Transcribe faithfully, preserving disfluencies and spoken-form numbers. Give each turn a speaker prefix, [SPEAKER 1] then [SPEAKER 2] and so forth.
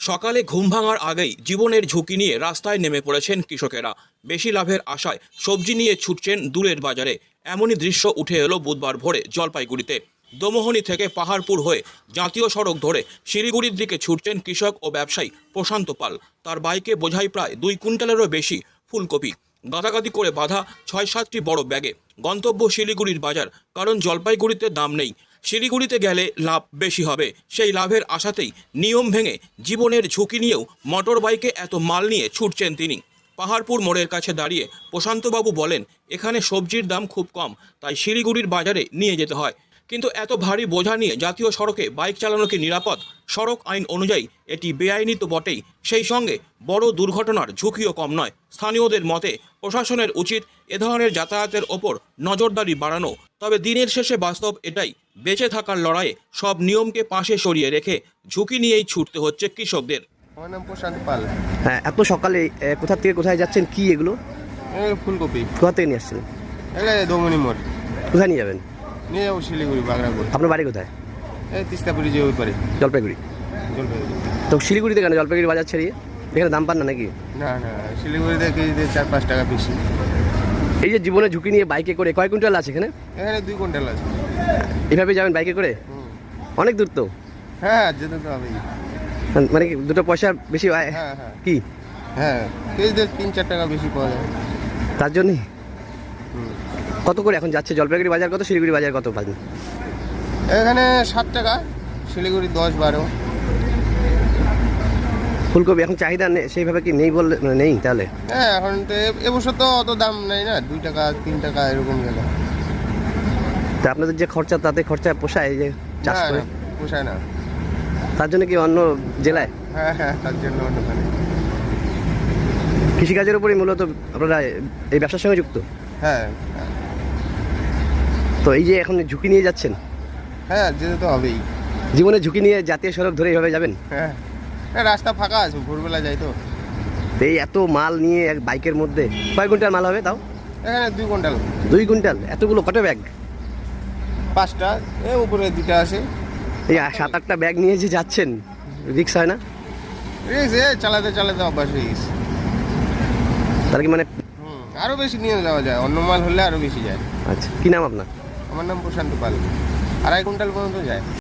[SPEAKER 1] সকালে ঘুম ভাঙার আগেই জীবনের ঝুঁকি নিয়ে রাস্তায় নেমে পড়েছেন কৃষকেরা। বেশি লাভের আশায় সবজি নিয়ে ছুটছেন দূরের বাজারে। এমনই দৃশ্য উঠে এলো বুধবার ভোরে জলপাইগুড়িতে। দমোহনী থেকে পাহাড়পুর হয়ে জাতীয় সড়ক ধরে শিলিগুড়ির দিকে ছুটছেন কৃষক ও ব্যবসায়ী প্রশান্ত পাল। তার বাইকে বোঝাই প্রায় দুই কুইন্টালেরও বেশি ফুলকপি, গাদাগাদি করে বাঁধা ছয় সাতটি বড় ব্যাগে। গন্তব্য শিলিগুড়ির বাজার, কারণ জলপাইগুড়িতে দাম নেই। শিলিগুড়িতে গেলে লাভ বেশি হবে, সেই লাভের আশাতেই নিয়ম ভেঙে জীবনের ঝুঁকি নিয়েও মোটর বাইকে এত মাল নিয়ে ছুটছেন তিনি। পাহাড়পুর মোড়ের কাছে দাঁড়িয়ে প্রশান্তবাবু বলেন, এখানে সবজির দাম খুব কম, তাই শিলিগুড়ির বাজারে নিয়ে যেতে হয়। কিন্তু এত ভারী বোঝা নিয়ে জাতীয় সড়কে বাইক চালানো কি নিরাপদ? সড়ক আইন অনুযায়ী এটি বেআইনি তো বটেই, সেই সঙ্গে বড় দুর্ঘটনার ঝুঁকিও কম নয়। স্থানীয়দের মতে প্রশাসনের উচিত এ ধরনের যাতায়াতের ওপর নজরদারি বাড়ানো। তবে দিনের শেষে বাস্তব এটাই, বেঁচে থাকার লড়াইয়ে সব নিয়মকে পাশে সরিয়ে রেখে ঝুঁকি নিয়েই ছুটতে হচ্ছে কৃষকদের।
[SPEAKER 2] আমার নাম প্রশান্ত পাল।
[SPEAKER 3] হ্যাঁ, এত সকালে এ, কোথা থেকে কোথায় যাচ্ছেন? কি এগুলো?
[SPEAKER 2] এই ফুলকপি
[SPEAKER 3] কোথা থেকে নিয়ে আসছেন?
[SPEAKER 2] এলে দমনি মোড়
[SPEAKER 3] কোথায় নিয়ে যাবেন?
[SPEAKER 2] নিয়ে যাবো শিলিগুড়ি বাগড়াপুর।
[SPEAKER 3] আপনার বাড়ি কোথায়?
[SPEAKER 2] এই তিস্তাপুরি যে ওই পারে
[SPEAKER 3] জলপাইগুড়ি।
[SPEAKER 2] জলপাইগুড়ি।
[SPEAKER 3] তো শিলিগুড়িতে কেন জলপাইগুড়ি বাজার ছেড়িয়ে? এখানে দাম পান না নাকি?
[SPEAKER 2] না না, শিলিগুড়িতে কেজিতে চার পাঁচ টাকা বেশি।
[SPEAKER 3] এই যে জীবনে ঝুঁকি নিয়ে বাইকে করে কয় কুইন্টাল আছে এখানে?
[SPEAKER 2] এখানে দুই কুইন্টাল আছে।
[SPEAKER 3] এভাবে যাবেন বাইকে করে?
[SPEAKER 2] হুম।
[SPEAKER 3] অনেক দূর তো।
[SPEAKER 2] হ্যাঁ, যেতে তো হবেই।
[SPEAKER 3] মানে কি দুটো পয়সা বেশি হয়?
[SPEAKER 2] হ্যাঁ হ্যাঁ
[SPEAKER 3] কি
[SPEAKER 2] হ্যাঁ, কেজিতে তিন চার টাকা বেশি পাওয়া যায়।
[SPEAKER 3] তার জন্যই
[SPEAKER 2] হুম।
[SPEAKER 3] কত করে এখন যাচ্ছে? জলপাইগুড়ি বাজার কত, শিলিগুড়ি বাজার কত পাবেন?
[SPEAKER 2] এখানে ষাট টাকা, শিলিগুড়ি দশ বারো।
[SPEAKER 3] ফুলকপি এখন চাহিদা নেই সেইভাবে কি নেই বললে মানে নেই তাহলে?
[SPEAKER 2] হ্যাঁ, এখন তো এ- এবছর তো অত দাম নেই না, দুই টাকা তিন টাকা এরকম গেল।
[SPEAKER 3] তা আপনাদের যে খরচা তাতে খরচা পোষায় এই যে চাষ
[SPEAKER 2] না,
[SPEAKER 3] করে?
[SPEAKER 2] না, পোষায় না।
[SPEAKER 3] তার জন্য কি অন্য জেলায়
[SPEAKER 2] হ্যাঁ হ্যাঁ, তার জন্য ওখানে।
[SPEAKER 3] কৃষিকাজের উপরই মূলত আপনারা এই ব্যবসার সঙ্গে যুক্ত?
[SPEAKER 2] হ্যাঁ হ্যাঁ,
[SPEAKER 3] তো এই যে এখন ঝুঁকি নিয়ে যাচ্ছেন,
[SPEAKER 2] হ্যাঁ যেতে তো হবেই।
[SPEAKER 3] জীবনে ঝুঁকি নিয়ে জাতীয় সড়ক ধরে এইভাবে যাবেন?
[SPEAKER 2] হ্যাঁ, হ্যাঁ, রাস্তা ফাঁকা আছে, ভোরবেলা যাই তো।
[SPEAKER 3] তো এই এত মাল নিয়ে এক বাইকের মধ্যে কয় কুইন্টাল মাল হবে তাও?
[SPEAKER 2] এখানে দুই কুইন্টাল।
[SPEAKER 3] দুই কুইন্টাল? এতগুলো কত ব্যাগ?
[SPEAKER 2] পাঁচটা, এ উপরে দুটা আছে।
[SPEAKER 3] এই সাত আটটা ব্যাগ নিয়ে যে যাচ্ছেন, রিক্স হয় না?
[SPEAKER 2] রিক্স, এ চালাতে চালাতে অভ্যাস হয়ে গেছে।
[SPEAKER 3] তাহলে কি মানে?
[SPEAKER 2] হুম, আরও বেশি নিয়ে যাওয়া যায়, অন্য মাল হলে আরও বেশি যায়।
[SPEAKER 3] আচ্ছা, কি নাম আপনার?
[SPEAKER 2] আমার নাম প্রশান্ত পাল। আড়াই কুইন্টাল পর্যন্ত যায়।